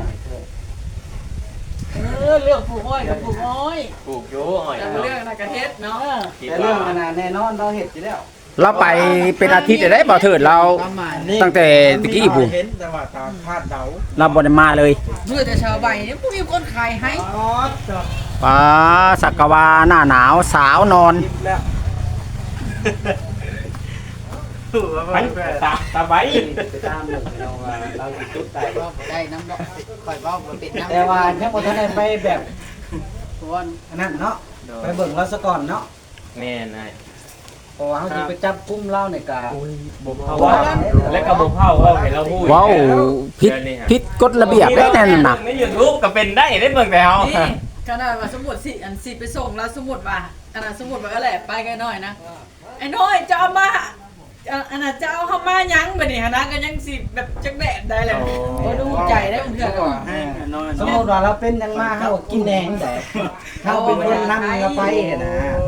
[SPEAKER 6] เรื่องปลูกอ้อยกับปลูกอ้อย
[SPEAKER 2] ปลูกอยู่อ้อย
[SPEAKER 5] แต่
[SPEAKER 2] เนาะ
[SPEAKER 5] เรื่องอะไรกันเฮ็ดเนาะ
[SPEAKER 2] คิด
[SPEAKER 4] แต่
[SPEAKER 2] ว่า
[SPEAKER 4] เรื่องขนาดแน่นอนเราเห็ดอยู่แล้ว
[SPEAKER 1] เราไปเป็นอาทิตย์ได้บ่เถิดเรา
[SPEAKER 6] ประมาณ
[SPEAKER 1] ตั้งแต่ตะกี้ผู้
[SPEAKER 3] เห็นแต่ว่าตามคาดเดา
[SPEAKER 1] เราบ่ได้มาเลย
[SPEAKER 6] เมื่อแต่ชาวใบเนี่ยบ่มีคนขายให้
[SPEAKER 3] อ๋อจ้ะ
[SPEAKER 1] ป้าสักกะวาหน้าหนาวสาวนอน
[SPEAKER 3] คิดแล้วถือว่า
[SPEAKER 2] ไป
[SPEAKER 3] มันแบบ
[SPEAKER 2] ตาใบ
[SPEAKER 4] ไปตามเรื่องเราว่าเราจุดได้
[SPEAKER 6] ว่าบ่ได้น้ำบ่ค่อยเว้าบ่เป็นน้ำ
[SPEAKER 4] แต่ว่ายังบ่ทันได้ไปแบบ
[SPEAKER 6] ส่วน
[SPEAKER 4] อันนั้นเนาะไปเบิ่งเราซะก่อนเนาะ
[SPEAKER 2] แม่นาย
[SPEAKER 4] เพราะว่าเขาสิไปจับกุมเราในกา
[SPEAKER 2] เพราะว่าและกระบอกเผาว่าเห็นเราพูด
[SPEAKER 1] ว้าวผิดกฎระเบียบได้นั่นน่ะ
[SPEAKER 2] ใน YouTube ก็เป็นได้ได้เบิ่งแต่เฮา
[SPEAKER 5] นี่ขนาดว่าสมมุติสิอันสิไปส่งแล้วสมมุติว่าขนาดสมมุติว่าก็แหละไปกันหน่อยนะไอ้น้อยจะเอามาอันน่ะจะเอาเข้ามายังบัดนี้หนนะก็ยังสิแบบจักแดดได้แหละ
[SPEAKER 6] บ่ดูใจได้เพิ่นก็
[SPEAKER 3] ให้น้อย
[SPEAKER 4] สมมติว่าเราเป็นยังมาเขาก็กินแดงแต่เขาเป็นคนนำเราไปนะ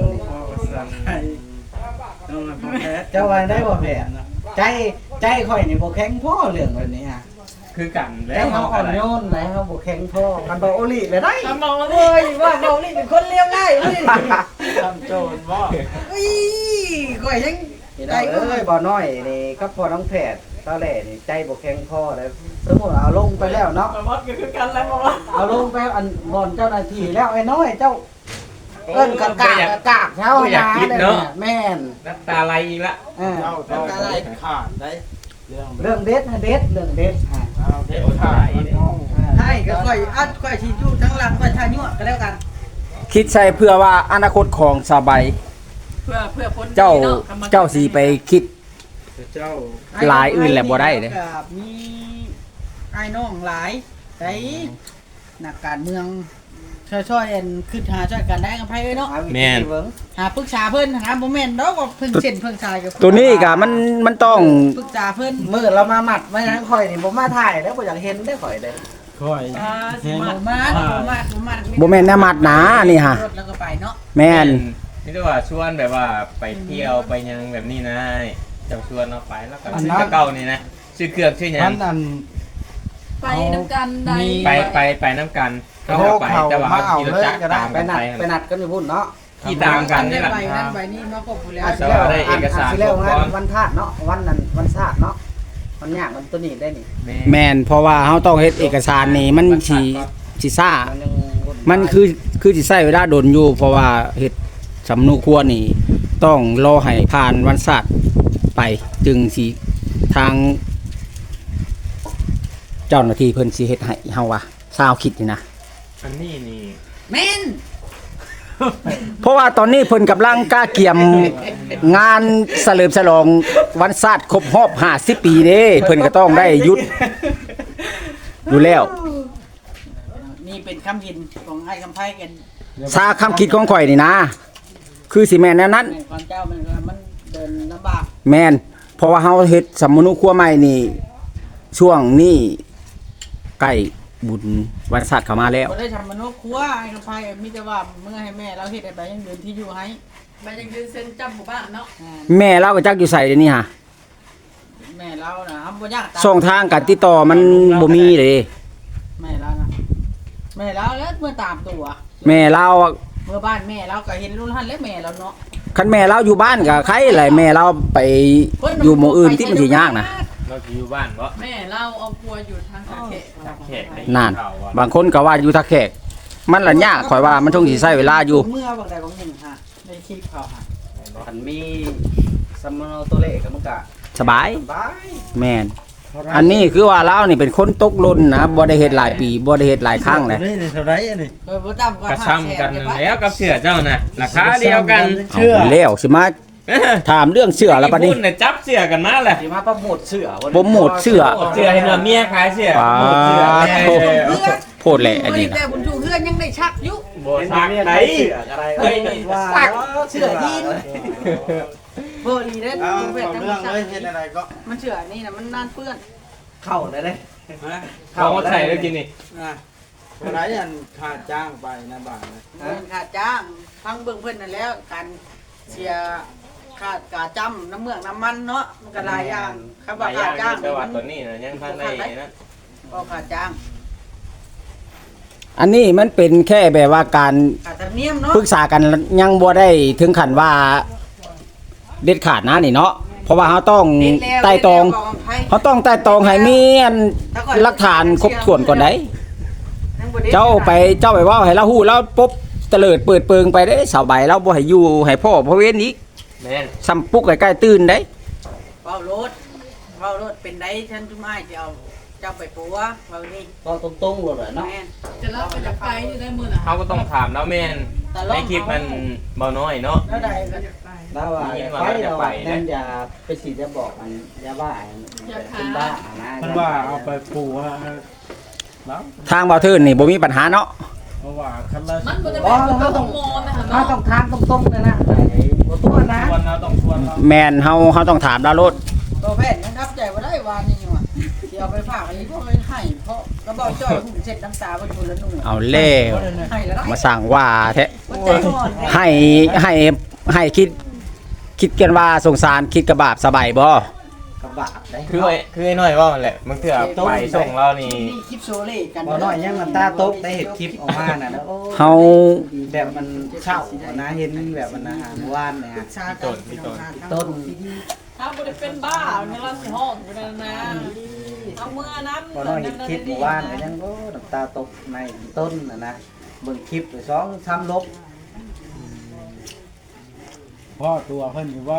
[SPEAKER 4] เจ้าว่าได้บ่แม่ใจข่อยนี่บ่แข็งพอเรื่องแบบนี้ฮะ
[SPEAKER 2] คือกัน
[SPEAKER 4] แต่
[SPEAKER 2] แล้ว
[SPEAKER 4] เขา
[SPEAKER 2] เฮา
[SPEAKER 4] อ่
[SPEAKER 2] อะ
[SPEAKER 4] อน
[SPEAKER 2] ไร
[SPEAKER 4] โยนไหนเขาบ่แข็งพอกันบ่โอลิเลยได้
[SPEAKER 5] ทำมองแล้ว
[SPEAKER 6] เอ้ยว่าเรานี่เป็นคนเลี้ยงง่ายเว้ย
[SPEAKER 3] ทำโจรบ่
[SPEAKER 6] อุ้ยข่อยยัง
[SPEAKER 4] ใจเอ้ยบ่น้อยนี่กับพ่อน้องแพทย์ตอนแรกนี่ใจบ่แข็งพอแล้วสมมุติเอาลงไปแล้วเนาะ
[SPEAKER 5] มดก็คือกันแล้วบอกว่า
[SPEAKER 4] เอาลงไปอันบ่อนเจ้าหน้าที่แล้วไอ้น้อยเจ้าเอิ้นกะกากเช้าแม่น
[SPEAKER 2] น้ำตาไหลอีกละ
[SPEAKER 3] เจ้าต้องขาดได้เรื่อง
[SPEAKER 4] เรื่องเด็ดนะเด็ดเรื่องเด็ดฮะ
[SPEAKER 3] เอาเด็ดขาดมันต้อง
[SPEAKER 6] ให้ก็ข่อยอัดข่อยสิอยู่ทั้งหลังข่อยทายั่วก็แล้วกัน
[SPEAKER 1] คิดใส่เพื่อว่าอนาคตของสบาย
[SPEAKER 5] เพื่อพ้น
[SPEAKER 1] เจ้าสิไปคิด
[SPEAKER 3] เจ้า
[SPEAKER 1] หลายอื่นแหละบ่ได้เด้
[SPEAKER 6] กับมีไอ้น้องหลายไอ้นักการเมืองช่วยๆอันคิดหาช่วยกันได้กับไผเอ้ยเนาะ
[SPEAKER 2] แม่น
[SPEAKER 6] หาปรึกษาเพิ่นหาบ่แม่นดอกว่าเพิ่นเส้นเพิ่นสายกับ
[SPEAKER 1] ตัวนี้ก็มันต้อง
[SPEAKER 6] ปรึกษาเพิ่น
[SPEAKER 4] มื้อเรามาหมัดไว้นะข่อยนี่บ่มาถ่ายแล้วบ่อยากเห็นได้ข่อยได้
[SPEAKER 3] ค่อย
[SPEAKER 5] สิมา
[SPEAKER 6] บ่มาบ่มา
[SPEAKER 1] บ่แม่นแนวมัดหนานี่ฮะ
[SPEAKER 6] รถแล้วก็ไปเนาะ
[SPEAKER 1] แม่น
[SPEAKER 2] นี่ก็ว่าชวนแบบว่าไปเที่ยวไปยังแบบนี้นะเจ้าชวนเราไปแล้วก็ซื้อเก่านี่นะซื้อเครื่องซื้อหยั
[SPEAKER 3] ท่าน
[SPEAKER 2] ง
[SPEAKER 3] อัน
[SPEAKER 5] ไปน้ำกันได้
[SPEAKER 2] ไปน้ำกันก็ไปแต่ว่าขี่รถจักรตาม
[SPEAKER 4] ไป
[SPEAKER 2] กัน
[SPEAKER 4] นัด
[SPEAKER 2] ไป
[SPEAKER 4] ไปนัดกันอยู่พุ่นเนาะ
[SPEAKER 2] ขี่ตามกันนี่แหละ
[SPEAKER 6] ไปนั่นไปนี่มาครบแล้ว
[SPEAKER 2] แต่ว่าได้เอกสาร
[SPEAKER 4] สิแล้ว
[SPEAKER 2] ครบ
[SPEAKER 4] งา
[SPEAKER 2] ก่อน
[SPEAKER 4] นวันธาตุเนาะวันนั้นวันชาติเนาะมันยากมันตัวนี้ได้นี่
[SPEAKER 1] แม่นเพราะว่าเฮาต้องเฮ็ดเอกสารนี่มันสิซ่า
[SPEAKER 4] มันยัง
[SPEAKER 1] มันคือสิใช้เวลาโดนอยู่ เพราะว่าเฮ็ดสำนุครัวนี่ต้องรอให้ผ่านวันศาสตร์ไปจึงสิทาง เจ้าหน้าที่เพิ่นสิเฮ็ดให้เฮาว่าซาวคิดนี่นะ
[SPEAKER 2] อันนี้นี่
[SPEAKER 6] แม่น
[SPEAKER 1] เพราะว่าตอนนี้เพิ่นกำลังกล้าเกี่ยมงานเฉลิมฉลองวันชาติครบรอบ50 ปีเด้เพิ่นก็ต้องได้หยุดอยู่แล้ว
[SPEAKER 6] นี่เป็นคำหินของไอ้คำไพ่กัน
[SPEAKER 1] ซาคำคิดของข่อยนี่นะ คือสิแม่นแนวนั้น
[SPEAKER 6] แม่นความเจ้ามันเดินลำบาก
[SPEAKER 1] แม่นเพราะว่าเฮาเฮ็ดสมมนุครัวใหม่นี่ช่วงนี้ใกล้บุญวันศาสตร์เข้ามาแล้ว
[SPEAKER 6] บ่ได้ทำมโนครัวไอ้คำไพ่มีแต่ว่าเมื่อให้แม่เราเฮ็ดอะไรยังเดินที่อยู่ให้
[SPEAKER 5] มันยังยืนเซ็นจำหมู่บ้านเนาะ
[SPEAKER 1] แม่เราก็จักอยู่ใส่เดี๋ยวนี้ฮะ
[SPEAKER 6] แม่เราน่ะบ่ยากตาม
[SPEAKER 1] ช่องทางการติดต่อมันบ่มีเลย
[SPEAKER 6] แม่เรานะแม่เราแล้วเมื่อตามตัว
[SPEAKER 1] แม่เรา
[SPEAKER 6] เมื่อบ้านแม่เราก็เห็นรุ่นท่านและแม่เราเนาะ
[SPEAKER 1] คันแม่เราอยู่บ้านก็ใครแหละแม่เราไปอยู่หมู่อื่นที่มันสิยากนะ
[SPEAKER 2] เราสิอยู่บ้านบ่
[SPEAKER 5] แม่เราเอาครัวอยู่ทางตะเขะ
[SPEAKER 2] แขกได้
[SPEAKER 1] นั่น
[SPEAKER 2] ข่าวว่า
[SPEAKER 1] บางคนก็ว่าอยู่ทักแขกมันละยากข่อยว่ามันต้องสิใช้เวลาอยู่
[SPEAKER 6] เมื่อบางใดบางหนึ่งฮะในคลิปเขาฮะ
[SPEAKER 4] คันมีสมโนตัวเลขก็มันก็
[SPEAKER 1] สบาย
[SPEAKER 4] บาย
[SPEAKER 1] แม่นอันนี้คือว่าเรานี่เป็นคนตกหล่นนะบ่ได้เฮ็ดหลายปีบ่ได้เฮ็ดหลายครั้งเลย
[SPEAKER 3] นี่เท่าไรอันนี้
[SPEAKER 6] โดยบ่ต่ำกว่าก
[SPEAKER 2] ระซ้ำกันแล้วกับเสือเจ้าน่ะราคาเดียวกัน
[SPEAKER 1] เอาแล้วสิมาถามเรื่องเสื้อแล้วบัดนี้
[SPEAKER 2] คุณน่ะจับเสือกันมาแหละ
[SPEAKER 4] สิมาโปรโมทเสื้อวันนี้
[SPEAKER 1] โปรโมทเสื้อ
[SPEAKER 2] เสือเห็นว่าเมียขายเสือ
[SPEAKER 1] ปา
[SPEAKER 2] โปรโมทเสือ
[SPEAKER 1] โทโพดแหละอันนี้
[SPEAKER 6] แต่
[SPEAKER 1] นะ
[SPEAKER 6] บุญชูเพื่อนยังได้ชักอยู่
[SPEAKER 2] บ่ซักไหน
[SPEAKER 4] เสื้ออะไร
[SPEAKER 2] เฮ้ย
[SPEAKER 6] ซักเสื้อยีนบ่ดีเด้
[SPEAKER 3] เอา
[SPEAKER 6] ดูเวททั้ง
[SPEAKER 3] เรื่อง
[SPEAKER 6] ซั
[SPEAKER 3] เลย
[SPEAKER 6] ก
[SPEAKER 3] เห็นอะไรก็
[SPEAKER 6] มันเสื้อนี่น่ะมันนานเปื้อน
[SPEAKER 4] เข้าได้เลย
[SPEAKER 2] เขามาใส่แล้วกินนี่
[SPEAKER 3] อ่ะเท่าไรอันค่าจ้างไปนะบ้านนะ
[SPEAKER 6] เงินค่าจ้างฟังเบิ่งเพิ่นนั่นแล้วการเสียค่ากาจำน้ำเมืองน้ำมันเนาะมันก็หลายอย่างครับว่าค่าจ้าง
[SPEAKER 2] แต่
[SPEAKER 6] นี่
[SPEAKER 2] ว่า
[SPEAKER 6] มัน
[SPEAKER 2] ตัวนี้น่ะยังพันได้นะ
[SPEAKER 6] ก็ค่าจ้าง
[SPEAKER 1] อันนี้มันเป็นแค่แบบว่าการ
[SPEAKER 6] ค่าธรรมเนียมเนาะ
[SPEAKER 1] ปรึกษากันยังบ่ได้ถึงขั้นว่าเด็ดขาดนะนี่เนาะเพราะว่าเขาต้องไต่ตองเขาต้องไต่ตองให้มีอันหลักฐานครบถ้วนก่อนได้เจ้าไปเว่าให้เราฮู้แล้วปุ๊บเตลิดเปิดเปิงไปได้สาวใบเราบ่ให้อยู่ให้พ่อพ่อเว้นอีก
[SPEAKER 2] แม่น
[SPEAKER 1] ซ้ำปุกใกล้ๆตื่นได้
[SPEAKER 6] เว้ารถเป็นได้ฉันจุ่มอ้ายจะเอาเจ้าไปปัวเว้านี่
[SPEAKER 4] ก็ตรงๆเลยเนาะ
[SPEAKER 6] แม่น
[SPEAKER 5] จะเล่าไปจะไปอยู่ได้มื้อน่ะ
[SPEAKER 2] เขาก็ต้องถามแล้วแม่นในคลิปมันเบาน้อยเนาะ
[SPEAKER 6] แล้วใดก็
[SPEAKER 4] แล้วว่าไปเรานั่นอย่าไปสิจะบอกมันอย่าบ้าเป็นบ้านะ
[SPEAKER 3] มันว่าเอาไปปลูกว่าแล้ว
[SPEAKER 1] ทางบ่าวเทินนี่บ่มีปัญหาเนาะ
[SPEAKER 3] เพราะว่าคันละ
[SPEAKER 5] มันบ่ได้เป็นคนต้องมองนะคะ
[SPEAKER 4] ถ้า
[SPEAKER 5] เนาะ
[SPEAKER 4] ต้องทางตรงๆเลยนะบ่ตัวนะ
[SPEAKER 3] ชวนเราต้องชวนเรา
[SPEAKER 1] แม่นเฮาต้องถามดาวโลด
[SPEAKER 6] ตัวแพทย์ยังรับใจบ่ได้วานนี่ว่ะสิเอาไปฝากไอ้พวกเลยให้เพราะกระบอกจ้อยหุ่นเสร็จน้ำตาบ่ทุนละหนู
[SPEAKER 1] เอาแล้ว
[SPEAKER 6] ให้แล้ว
[SPEAKER 1] มาสั่งว่าแท้
[SPEAKER 6] มันใจอ่อน
[SPEAKER 1] ให้คิดกันว่าสงสารคิดกระบาบสบายบ่
[SPEAKER 4] กระบะได้
[SPEAKER 2] คือไอ้น้อยว่าแหละมันคือไปส่งเรานี่
[SPEAKER 6] นี่คลิปโซเล่กัน
[SPEAKER 4] บ่น้อยยังน้ำตาตกได้เห็นคลิปออกมาน่ะโอ้
[SPEAKER 1] เฮา
[SPEAKER 4] แบบมันเศร้านะเห็นแบบมันอาหารว่านเนี่ย
[SPEAKER 6] ชาต้น
[SPEAKER 4] ต้น
[SPEAKER 5] ถ้าบ่ได้เป็นบ้าเนี่ยเราสิฮ้องอยู่นั่นนะเอามือน้ำ
[SPEAKER 4] บ่น้อยเห็นคลิปเมื่อวานก็ยังโอ้น้ำตาตกในต้นนะเบิ่งคลิปไป2-3ลบ
[SPEAKER 3] พ่อตัวเพิ่นอยู่ว่า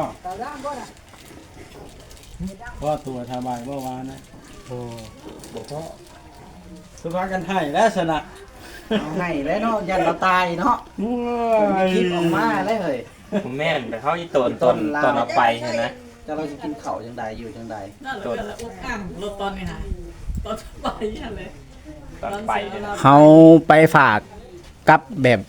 [SPEAKER 3] พ่อตัวสบายเมื่อวานนะ
[SPEAKER 4] โอ้บ่พอ
[SPEAKER 3] สุภากันให้แล้วสนะ
[SPEAKER 4] เอาให้แล้วเนาะยันเราตายเนาะคลิปออกมาเลยเฮ้ย
[SPEAKER 2] ผมแม่นแต่เขาอีตนเอาไปใช่ไหม
[SPEAKER 4] จะเราจะกินข้าวจังใดอยู่จังใด
[SPEAKER 5] นั่นแหละเป็นอุกอ่างรถตอนนี้นะตอนไปนั่นเลย
[SPEAKER 2] ตอนไปเนี่ยนะ
[SPEAKER 1] เฮาไปฝากกับแบบ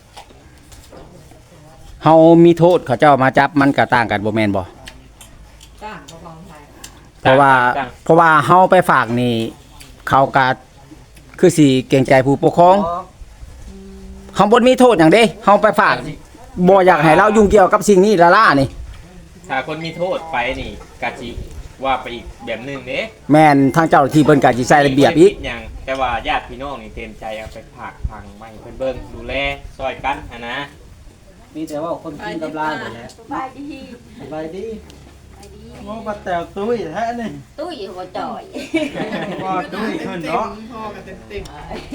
[SPEAKER 1] เฮามีโทษเขาเจ้ามาจับมันก็ต่างกันบ่แม่นบ่
[SPEAKER 5] จ้างเขาฟังไทย
[SPEAKER 1] เพราะว่าเฮาไปฝากนี่เขาก็คือสิเกรงใจผู้ปกครองเฮาบ่มีโทษหยังเด้เฮาไปฝากบ่อยากให้เรายุ่งเกี่ยวกับสิ่งนี้ละล่านี่
[SPEAKER 2] ถ้าคนมีโทษไปนี่กะจิว่าไปอีกแบบหนึงเด้
[SPEAKER 1] แม่นทางเจ้าหน้าที่เพิ่นก็สิใช้ระเบียบอีก
[SPEAKER 2] อย่างแต่ว่าญาติพี่น้องนี่เต็มใจเอาไปผักพังไม่เพิ่นเบิ่งดูแลซอยกันนะ
[SPEAKER 4] มีแต่ว่าคนกินกับลายหมดแล้ว
[SPEAKER 7] สบายดี
[SPEAKER 4] สบายดี
[SPEAKER 3] โอ้ปลาแตวตุ้ยแท้นี่
[SPEAKER 7] ตุ้ยหัวจ่อย
[SPEAKER 3] ว่าตุ้ยขึ้นเนาะ
[SPEAKER 5] พ่อกันเต็ม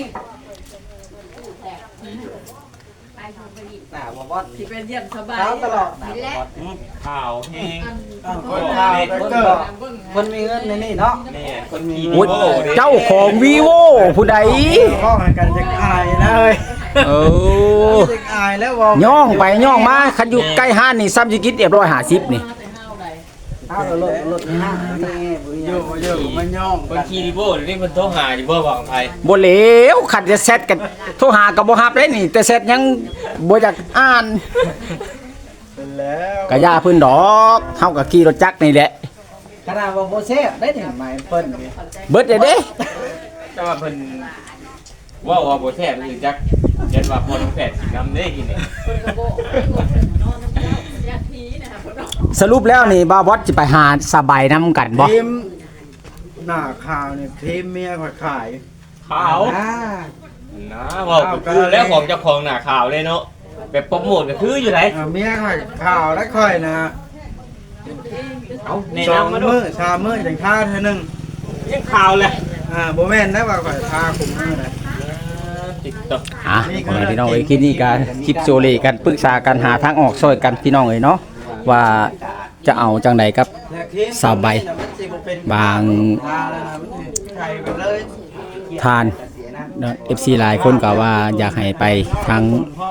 [SPEAKER 7] ไปทำไปอีก
[SPEAKER 4] หน้าบ่บอด
[SPEAKER 5] ๆที่เป็นเยี่ยมสบาย
[SPEAKER 4] เช้าตลอด
[SPEAKER 7] นี่แหละ
[SPEAKER 2] ข้าวแห้ง
[SPEAKER 3] คนข่าวไปเกิด
[SPEAKER 4] คนมีเงินในนี่เนาะ
[SPEAKER 2] แม่คนมี
[SPEAKER 1] โอ้ยเจ้าของ vivo ผู้ใด
[SPEAKER 3] พ่อให้กันจะอายนะเฮ้ย
[SPEAKER 5] ไ
[SPEAKER 1] โอ้
[SPEAKER 3] จะอายแล้วว่า
[SPEAKER 1] ย่องไปย่องมาคันอยู่ใกล้ห้านนี่ซ้ำสิกินเรียบร้อย50นี่
[SPEAKER 6] เอารถห้างนี่บ่
[SPEAKER 3] อ
[SPEAKER 6] ยั
[SPEAKER 3] ยู่
[SPEAKER 6] ง
[SPEAKER 3] มันย่อง
[SPEAKER 2] คนขี่ดิโบ้นี่มันโทรหาดิโบ้บอกไทย
[SPEAKER 1] บ่เหลวคันจะเซตกันโทรหาก็บ่รับเลยนี่ แต่เซตยังบ่อยากอ่าน
[SPEAKER 3] เป็นแล้ว
[SPEAKER 1] ก็ย่าเพิ่นดอกเฮาก็ขี่รถจักรนี่แหละ
[SPEAKER 6] ขนาดว่าบ่แซ่บได้นี่หมายเพิ่นนี่
[SPEAKER 1] เบิดเด้
[SPEAKER 2] แต่ว่าเพิ่นว่าบ่แท้มันคือจักเห็นว่าคนแปดสิบน้ำได้กินนี่
[SPEAKER 5] คนกระโบกนอนน้ำเจ้าอยากผีนะครับคนน้อง
[SPEAKER 1] สรุปแล้วนี่บ่าวบอสสิไปหาสบายนํกันบ่
[SPEAKER 3] พิมพ์หน้าข่าวนี่พิมพ์เมียข่อยขาย
[SPEAKER 2] ขาว
[SPEAKER 6] อ่า
[SPEAKER 2] นะบอกก็คือแล้วของเจ้าของหน้าขาวเลยเนาะแบบโปรโมทก็คืออยู่ไหน
[SPEAKER 3] เมียข่อยข่าวแล้วข่อยนะ
[SPEAKER 2] เอาแนะ
[SPEAKER 3] สอง
[SPEAKER 2] นำมาดู
[SPEAKER 3] มื้อสามมื้อจังท่าเท่านึง
[SPEAKER 2] ยังขาวเลย
[SPEAKER 3] บ่แม่นได้ว่าข่อยทาคุมมื้อนะ
[SPEAKER 2] ติ๊กต๊อก
[SPEAKER 1] อ่ะพ่อแม่พี่น้องเอ้ยคลิปนี้ก็คลิปโซเลกันปรึกษากันหาทางออกช่วยกันพี่น้องเอ้ยเนาะว่าจะเอาจังใดกับ สาวใบ บาง
[SPEAKER 3] ไข่ไปเลย
[SPEAKER 1] ทานเนาะ FC หลายคนก็ว่าอยากให้ไปทาง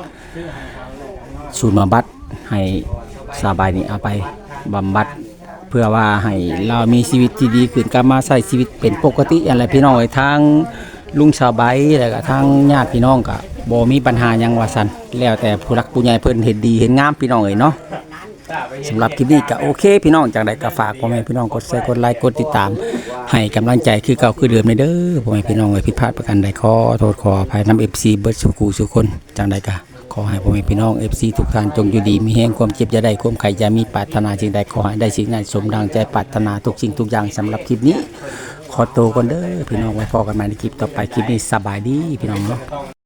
[SPEAKER 1] ศูนย์บำบัดให้สบายนี่เอาไปบำบัดเพื่อว่าให้เรามีชีวิตที่ดีขึ้นกลับมาใช้ชีวิตเป็นปกติอะไรพี่น้องเอ้ยทางลุงสบายแล้วก็ทางญาติพี่น้องก็บ่มีปัญหาหยังว่าซั่นแล้วแต่ผู้รักผู้ใหญ่เพิ่นเห็นดีเห็นงามพี่น้องเอ้ยเนาะสำหรับคลิปนี้ก็โอเคพี่น้องจังไดก็ฝากพ่อแม่พี่น้องกดแชร์กดไลค์กดติดตามให้กำลังใจคือเก่าคือเดิมในเด้อพ่อแม่พี่น้องเอ้ยผิดพลาดประการใดขอโทษขออภัยนำ FC เบิดสุขูสุคนจังไดก็ขอให้พ่อแม่พี่น้อง FC ทุกท่านจงอยู่ดีมีแห่งความเจ็บอย่าได้ความไข้อย่ามีปรารถนาสิ่งใดขอให้ได้สิ่งนั้นสมดังใจปรารถนาทุกสิ่งทุกอย่างสำหรับคลิปนี้ ขอตัวก่อนเด้อพี่น้องไว้พอกันใหม่ในคลิปต่อไปคลิปนี้สบายดีพี่น้องเนาะ